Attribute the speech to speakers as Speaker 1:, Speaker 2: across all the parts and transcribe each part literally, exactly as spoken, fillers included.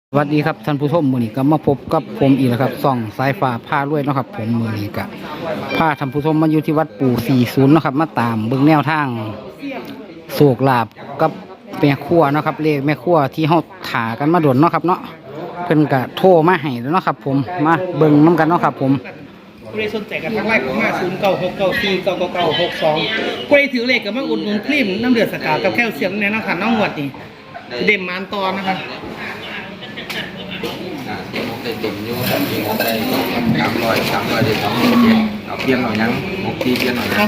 Speaker 1: สวัสดีครับท่านผู้ชมมือนี้ก็มาพบกับผมอีกแล้วครับส่องสายฟ้าผ้ารวยเนาะครับผมมือนี้ก็พาท่านผู้ชมมาอยู่ที่วัดปู่สี่สิบเนาะครับมาตามเบิ่งแนวทางโศกลาบกับแม่ครัวเนาะครับเลขแม่ครัวที่เฮาถากันมาโดนเนาะครับเนาะเพิ่นก็โทรมาให้แล้วเนาะครับผมมาเบิ่งน้กันเนาะครับผม
Speaker 2: ผู้ใดสนใจกับทางไลน์ของมาศูนย์เก้าหกเก้าสี่เก้าเก้าเก้าหกสองผู้ใดถือเลขกับมาอุดหนุนครีมน้ำเดือดสกาวกับแคลเซียมแน่นอนค่ะน้องหวดนี่เด่มมานตอนนะคะ
Speaker 3: ได้ตุ่มอยู่มีหกได้สามร้อยสามร้อยได้สองหมื่นเจ็ดเอาเปลี่ยนหน่อยยังหกตีเปลี่ยนหน่อยยัง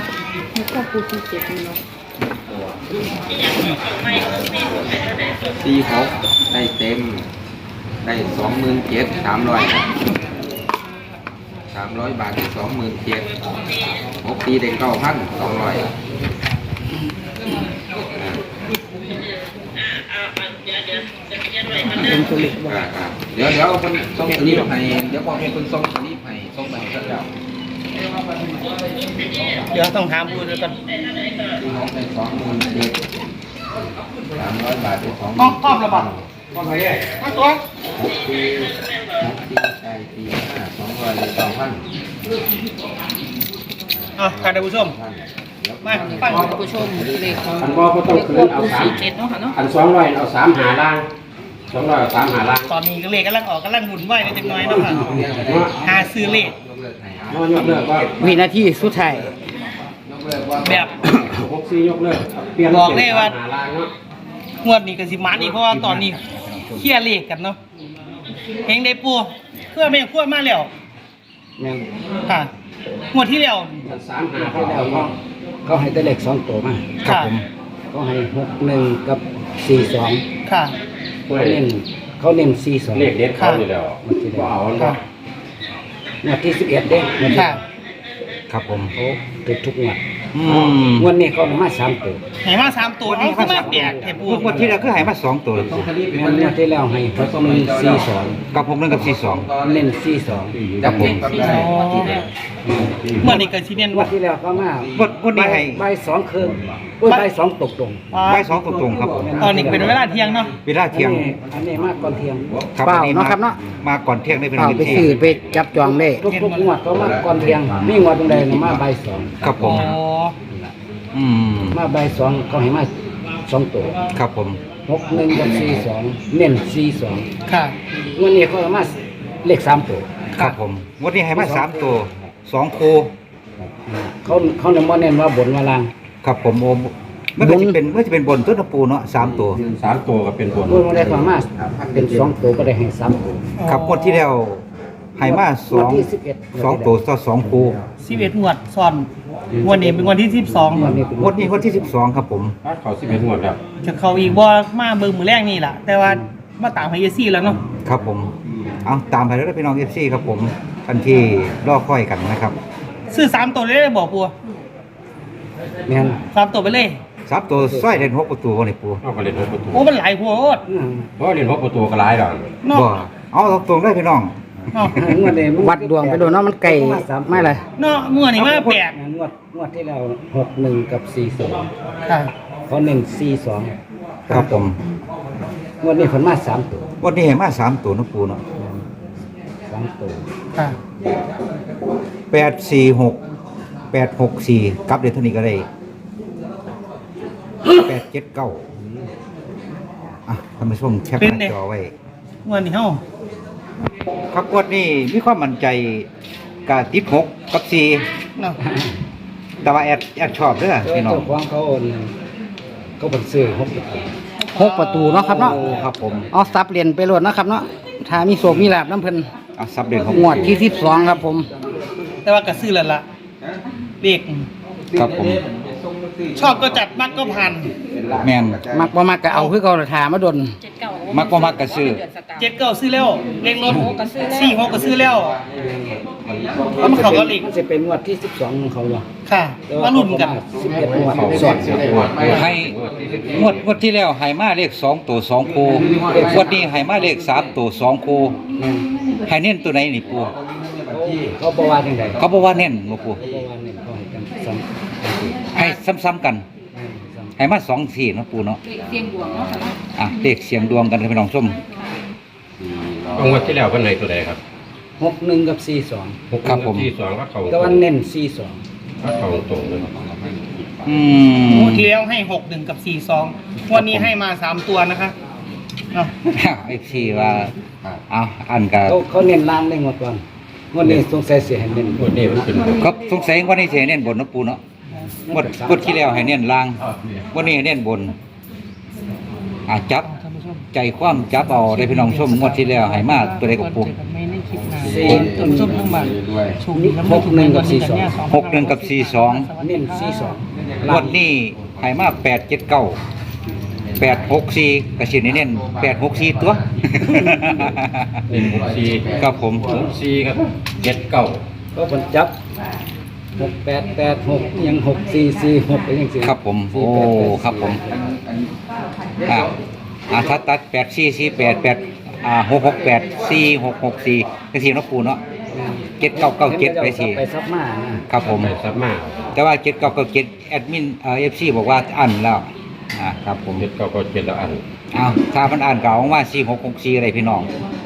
Speaker 3: ตีหกได้เต็มได้สองหมื่นเจ็ดสามร้อยสามร้อยบาทได้สองหมื่นเจ็ดหกตีได้เก้าพันสองร้อยเดี๋ยวเดี๋ยวคนส่งสลิปให้เดี๋ยวพอเป็นคนส่งสลิปให้ส่งไปให้เจ้า
Speaker 2: เดี๋ยวต้องถามผู้ด้วยกัน
Speaker 3: ตีหกได้สองหมื่นเจ็ดสามร้อยบาทได้สองหมื่น
Speaker 2: ต้องต้องระบาดต้องอะไรมาตัว
Speaker 3: หกตีหกตีใช่ตีห้าสองร้อยได้สองพัน
Speaker 2: อ่ะค่ะท่านผู้ชมมาฟังท่านผู้ชมเลขของ
Speaker 4: อันบ่ก็ต้องคืนเอาสามอันสองร้อยเอาสามหาล่างสองร้อยเอาสามหาล่าง
Speaker 2: ตอนนี้เลขกำลังออกกำลังหมุนไหวในจังน้อยเนาะค่ะหาซื้อเลข
Speaker 4: น้อยยกเลิกก็
Speaker 1: วินาทีสุดท้าย
Speaker 2: แบบ
Speaker 4: หกสี่ยกเลิกเปลี่ยน
Speaker 2: บอกได้ว่า
Speaker 4: หาล่างเนาะ
Speaker 2: งวดนี้ก็สิมันอีกเพราะว่าตอนนี้เคลียร์เลขกันเนาะเฮงได้ปูเพื่อไม่ขั้วมาแล้ว
Speaker 4: แม่น
Speaker 2: ค่ะงวดที่แล้ว
Speaker 4: สามหาที่แล้วก็เขาให้แต่เลขสองตัวมา
Speaker 2: ค่ะ
Speaker 4: เขาให้หกหนึ่งกับสี่สอง
Speaker 2: ค่ะ
Speaker 4: เขาเน้นเขาเน้นสี่สอง
Speaker 5: เลขเด็ดเขาอยู่แล้วบ่เอา
Speaker 2: ค่ะ
Speaker 4: งวดที่สิบเอ็ดเด้งวด
Speaker 2: ค่ะ
Speaker 4: ครับผมเขาติดทุกงวด
Speaker 1: อืม
Speaker 4: งวดนี้เขามาสามตัว
Speaker 2: ไหนมาสามตัวเอาขึ้นมาแปดเทปู
Speaker 6: งวดที่แล้วคือหายมาสองตัว
Speaker 4: แม่นงวดที่แล้วให้หกหนึ่งสี่สอง
Speaker 6: กับผมนั่นกับสี่สอง
Speaker 4: เน้นสี่สอง
Speaker 6: กับผม
Speaker 2: เมื่อนี้เกิดซีเนียน
Speaker 4: งวดที่แล้วก็มา
Speaker 6: วันวันนี้ให้
Speaker 4: ใบสองคืนโอ้ยใบสองตกตรง
Speaker 6: ใบสองตรงๆครับผม
Speaker 2: ตอนนี้เป็นเวลาเที่ยงเนาะ
Speaker 6: เวลาเที่ยง
Speaker 4: อันนี้มากก่อนเที่ยง
Speaker 6: ครับ
Speaker 1: เปล่า
Speaker 6: อันนี้
Speaker 1: เนาะ
Speaker 6: มา
Speaker 1: ครับเนาะ
Speaker 6: มาก่อนเที่ยงได้เป็น
Speaker 1: เปล่า
Speaker 6: วัน
Speaker 1: ไป
Speaker 6: ที่
Speaker 1: ซื้อไปจับจองเลข
Speaker 4: ทุกทุกงวดก็มาก่อนเที่ยงมีงวดตรงใดน่ะมาใบสอง
Speaker 6: ครับผ
Speaker 2: อ๋อ
Speaker 6: มอืม
Speaker 4: มาใบสองก็ให้มาสองตัว
Speaker 6: ครับผม
Speaker 4: หกหนึ่งกับสี่สองเน้นสี่สอง
Speaker 2: ค่ะ
Speaker 4: งวดนี้เขาเอามาเลขสามตัว
Speaker 6: ครับผมงวันนี้ให้มาสามตัวสองคู
Speaker 4: เขาเขาเนี่ยมาเน้นว่าบนว่าล่าง
Speaker 6: ครับผมโอมมันก็จะเป็นมันจะเป็นบนต้นตะปูเนาะสามตัว
Speaker 5: สามตัวก็เป็นบน
Speaker 4: งวดมาได้เขามาเป็นสองตัวก็ได้ให้สามตัว
Speaker 6: ครับงวดที่แล้วให้มาส
Speaker 4: งว
Speaker 6: อ
Speaker 4: ด
Speaker 6: ง
Speaker 4: ที่สิบเอ็ด
Speaker 6: สองตัวต่อสองคู
Speaker 2: สิบเอ็ดงวดซ้อนงวันนี้เป็นวันที่สิบสอง
Speaker 4: งวดนี้เป็น
Speaker 6: งวดนี้งวดที่สิบสองครับผม
Speaker 5: เขาสิบเอ็ดงวดแล้ว
Speaker 2: จะเข้าอีกว่ามาเบิ่งมือแรกนี่แหละแต่ว่ามาตามไฮเอซี่แล้วเนาะ
Speaker 6: ครับผมเอาตามไปแล้วพี่น้องเอฟซีครับผมทันที่รอค่อยกันนะครับ
Speaker 2: ซื้อสามตัวเลยได้บอกปัว
Speaker 4: แม่น
Speaker 2: สามตัวไปเลย
Speaker 6: ซับตัวสร้อยเด่นหกประตูวันนี้ปู
Speaker 5: เอาก็เล่นหกประตู
Speaker 2: โอ้มันหลายพัวโอด
Speaker 4: อืม
Speaker 5: เพราะเล่นหกประตูก็หลายดอก
Speaker 2: เนาะ
Speaker 6: บ่เอาตรงๆได้พี่น้อง
Speaker 2: เนาะ
Speaker 4: งวดนี้มัน
Speaker 1: วัดดวงไปโดนเนาะมันไก่ไม่เลย
Speaker 2: เนาะเมื่อนี้มาแปด
Speaker 4: งวดงวดที่เราหกหนึ่งกับสี่สอง
Speaker 2: ค่ะ
Speaker 4: เขาเน้นสี่สอง
Speaker 6: ครับผม
Speaker 4: งวดนี้ผลมาสามตัว
Speaker 6: วันนี้เห็นมาสามตัวนะปูเนาะ
Speaker 4: สามตัว
Speaker 2: ค่ะ
Speaker 6: แปดสี่หกแปดหกสี่กลับเดี๋ยวเท่านี้ก็ได้แปดเจ็ดเก้าอ่ะท่านผู้ชมแคปหน้าจอไว้
Speaker 2: งวันนี้เฮา
Speaker 6: ครับงวดนี้มีความมั่นใจกับติดหกกับสี่
Speaker 2: เนาะ
Speaker 6: แต่ว่าแอดแอดชอบเด้อพี่น้อง
Speaker 4: เจ้าของเขาโอนเขาเป็นซื้อหกตัว
Speaker 1: หกประตูเนาะครับเนาะ
Speaker 6: โอ้ครับผม
Speaker 1: เอาซับเหรียญไปโหลดนะครับเนาะถ้ามีโศกมีลาบน้ำเพิ่น
Speaker 6: เอาซับเด่นของ
Speaker 1: งวดที่สิบสองครับผม
Speaker 2: แต่ว่าก็ซื้อแล้วล่ะเลข
Speaker 6: ครับผม
Speaker 2: ชอบก็จัดมักก็ผ่าน
Speaker 6: แมน
Speaker 1: มักบ่มักก็เอาคือเขาถามาดน
Speaker 6: มักบ่มักก็ซื้อ
Speaker 2: เจ็ดเก้าซื้อแล้วเลขรถสี่หกก็ซื้อแล้วแล้วมันเข้ากับเลข
Speaker 4: มันจะเป็นงวดที่สิบสองของเขาวะ
Speaker 2: ค่ะมาลุ้นกัน
Speaker 4: สิบเอ็ดงวด
Speaker 5: เขา
Speaker 4: ส
Speaker 5: ส
Speaker 4: อ
Speaker 5: อน
Speaker 4: ด
Speaker 5: เสียงวด
Speaker 6: ให้งวดงวดที่แล้วให้มาเลขสองตัวสองคูงวดนี้ให้มาเลขสามตัวสองคูให้เน้นตัวไหนนี่ปู
Speaker 4: เขาบอกว่าจังได
Speaker 6: เขาบอกว่าเน้นบ่ปู
Speaker 4: เขาบอกว่าเนี่ยเขาให้กันซ้
Speaker 6: ให้ซ้ำๆกัน
Speaker 4: ำ
Speaker 6: ให้มาสองสี่เนาะปูเนาะ
Speaker 7: เสียงดวงเนาะค่ะ
Speaker 6: อ่ะเลขเสียงดวงกันพี่น้องชม
Speaker 5: เอางวดที่แล้วเพิ่นให้ตัวใดครับ
Speaker 1: หกหนึ่งกับสี่สอง
Speaker 6: ครับผม
Speaker 5: ที่สองก็เขา
Speaker 1: แต่ว่าเน้นสี่สอง
Speaker 5: ก็เขาตรงเลย
Speaker 6: อืม
Speaker 2: งวดที่แล้วให้หกหนึ่งกับสี่สองวันนี้ให้มาสามตัวนะคะเนาะ
Speaker 6: ไอ้ที่ว่าเอาอันกับ
Speaker 1: เขาเขาเน้นล่างได้หมดก่อนงวดนี้สงสัยเสียให้เน้น
Speaker 5: งวดนี้มันเป็น
Speaker 6: ครับสงสัยว่านี่สิให้เน้นบนเนาะปูเนาะงวดงวดที่แล้วให้เน้นล่างวันนี้ให้เน้นบนอ่ะจับใจความจับเอาได้พี่น้องชมงวดที่แล้วให้มาตัวใดกับปู
Speaker 2: ไม่ได้คิดนาน
Speaker 1: สี่
Speaker 2: ต้นส้มทั้งบ้าน
Speaker 3: ด้วย
Speaker 2: ถูกดีแล้วไม่ถูกในวันนี้กันเนี่ย
Speaker 6: หกหนึ่งกับสี่สอง
Speaker 1: เน้นสี่สอง
Speaker 6: งวดนี้ให้มาแปดเจ็ดเก้าแปดหกสี่กระสินเน้นแปดหกสี่ตัว
Speaker 5: หนึ่งหกสี่
Speaker 6: ครับผม
Speaker 5: หกสี่ครับเจ็ดเก้า
Speaker 1: ก็ผลจับหกแปดแปดหกยังหกสี่สี่หกไปยังสี่
Speaker 6: ครับผมโอ้ครับผม อ่าอ่าถ้าตัดแปดสี่สี่แปดแปดอ่าหกหกแปดสี่หกหกสี่กระสินน้ำปูเนาะเจ็ดเก้าเก้าเจ็ดไปสี่
Speaker 1: ไปซับมานะครับ
Speaker 6: ผม
Speaker 5: ไปซับมา
Speaker 6: แต่ว่าเจ็ดเก้าเก้าเจ็ดแอดมินเอ่อเอฟซีบอกว่าอันแล้วอ่าครับผม
Speaker 5: เจ็ดเก้าก็เจ็ดแล้วอัน
Speaker 6: เอาถ้ามันอ่านเก่าว่าสี่หกหกสี่อะไรพี่น้อง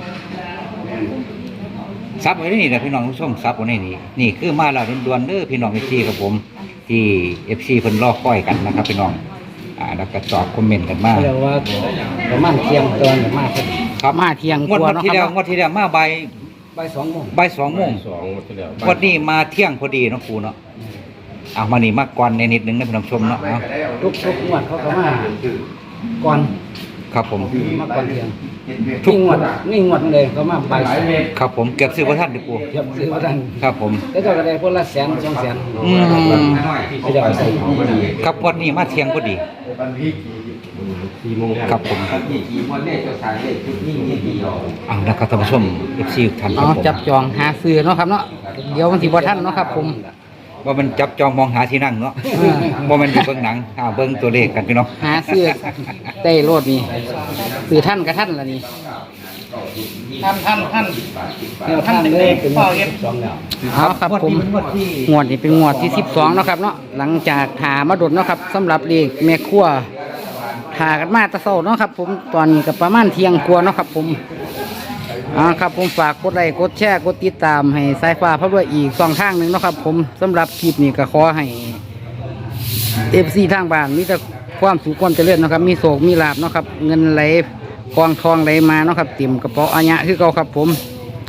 Speaker 6: ซับไว้นี่นะพี่น้องผู้ชมซับไว้ในนี่นี่คือมาแล้วด่วนๆเด้อพี่น้องเอฟซีครับผมที่เอฟซีเพิ่นรอคอยกันนะครับพี่น้องอ่าแล้วก็ตอบคอมเมนต์กันมา
Speaker 1: เรียกว่าประมาณเที่ยงตอนประมาณ
Speaker 6: ครับ
Speaker 1: มาเที่ยง
Speaker 6: งวด
Speaker 1: กว่า
Speaker 6: งวด
Speaker 1: เนาะ
Speaker 6: ที่
Speaker 1: ค
Speaker 6: แล้ว
Speaker 1: รับ
Speaker 6: งวดที่แล้วมาใบ
Speaker 1: บ่ายสองโมง
Speaker 6: ใบายสองโมง
Speaker 5: สองงวดที่แล้ว
Speaker 6: งวดนี้มาเที่ยงพอดีเนาะครูเนาะเอามานี่มากก่อนในนิดนึงนะพี่น้องชมเนาะเอา
Speaker 1: ทุกทุกงวดเขาก็มาก่อน
Speaker 6: ครับผม
Speaker 1: มาก่อนเที่ยงทุกงวดนี่งวดเลยเขามาบ่ายสอง
Speaker 6: ครับผมเกือบซื้อพระท่านดิปู
Speaker 1: เทียบซื้อว่าท่าน
Speaker 6: ครับผม
Speaker 1: แล้วก็ได้คนละแสนสองแสน
Speaker 6: อืม
Speaker 1: เขาจะเอาใส่
Speaker 6: ครับงวดนี้มาเที่ยงพอดี
Speaker 5: สี่โมงแล้ว
Speaker 6: ครับผม
Speaker 3: กี่กี่คนเลขเจ้าชายเลขชุดนี้นี่กี่ดอก
Speaker 6: เอาแล้วก็ท่านผู้ชมเอฟซีท่านค
Speaker 1: อ๋
Speaker 6: รั
Speaker 1: อบ
Speaker 6: ผม
Speaker 1: จับจองหาซื้อเนาะครับเนาะเดี๋ยวมันสิบ่ทันเนาะครับผม
Speaker 6: ว่ามันจับจองมองหาที่นั่งเนาะว่ามันอยู่เบื้องหนังอ่าเบื้องตัวเลขกันพี่น้อง
Speaker 1: หาซื้อได้โลดนี่ซื้อท่านกับท่านละนี่
Speaker 2: ท่านท่านท่าน
Speaker 1: แนวท่านเลยเป็นงวดที่สิบสองแล้วเอาครับผมงวดนี้เป็นงวดที่สิบสองเนาะครับเนาะหลังจากหามาดดเนาะครับสำหรับเลขแม่ครัวหากันมาแตะเช้าเนาะครับ ผมตอนนี้ก็ประมาณเที่ยงกว่าเนาะครับผมอ่าครับผมฝากกดไลค์กดแชร์กดติดตามให้สายฟ้าพระด้วยอีกสองทางหนึ่งเนาะครับ ผมสำหรับคลิปนี้ก็ขอให้เอฟซีทางบ้านมีแต่ความสุขความเจริญเนาะครับมีโศกมีลาบเนาะครับเงินไหลกองทองไหลมาเนาะครับเต็มกระเป๋าอัญญะคือเก่าครับผม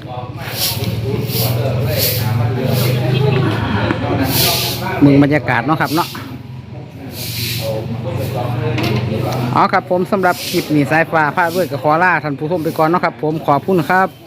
Speaker 1: มึงบรรยากาศเนาะครับเนาะอ๋อครับผมสำหรับคลิปนี้สายฟ้าพาด้วยกับขอลาท่านผู้ชมไปก่อนเนาะครับผมขอบคุณครับ